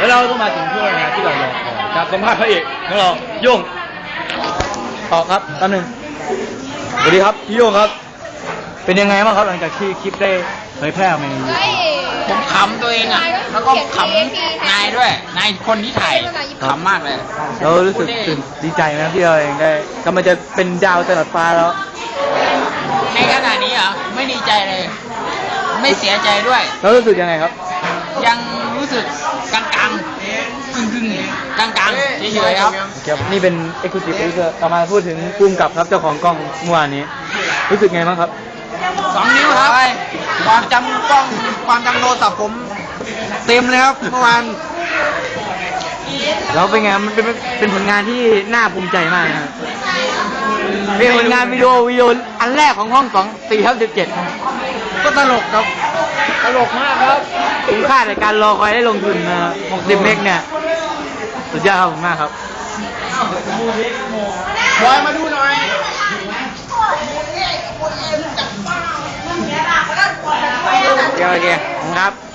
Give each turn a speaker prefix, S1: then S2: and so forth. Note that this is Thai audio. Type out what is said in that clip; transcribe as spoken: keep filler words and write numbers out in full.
S1: แล้วเราก็มาถึงช่วงงานที่เรารอคอยการสัมภาษณ์พระเอกของเราโย่งต่อครับแป๊บนึงสวัสดีครับพี่โย่งครับเป็นยังไงบ้างครับหลังจากที่คลิปได้เผยแพร่ออกมาในยูทูบ
S2: ผมขำตัวเองอ่ะแล้วก็ขำนายด้วยนายคนที่ถ่ายขำมากเลย
S1: เรารู้สึกตื่นดีใจนะที่เราเองได้กำลังจะเป็นดาวตลอดฟ้าแล้ว
S2: ในขณะนี้อ่ะไม่ดีใจเลยไม่เสียใจด้วย
S1: แล้วรู้สึกยังไงครับ
S2: ยังรู้สึกกลางกลางกึ่งกึ่งกลางกลางเฉยๆครับ
S1: ครับนี่เป็นเอ็กซ์คลูซีฟที่เรามาพูดถึงภูมิกับครับเจ้าของกล้องเมื่อวานนี้รู้สึกไงบ้างครับ
S2: สองนิ้วครับความจำกล้องความจำโทรศัพท์ผมเต็มเลยครับเมื่อวาน
S1: แล้วเป็นไงมันเป็นเป็นผลงานที่น่าภูมิใจมากนะเป็นผลงานวิดีโอวิดีโออันแรกของห้องสองสี่ทับสิบเจ็ด
S2: ก็ตลกครับ
S1: ตลกมากครับคุ้มค่าในการรอคอยได้ลงทุนนะหกสิบเมกเนี่ยสุดยอดครับผมมากครับ
S2: บอยมาดูหน่อย
S1: โอเคโอเคครับ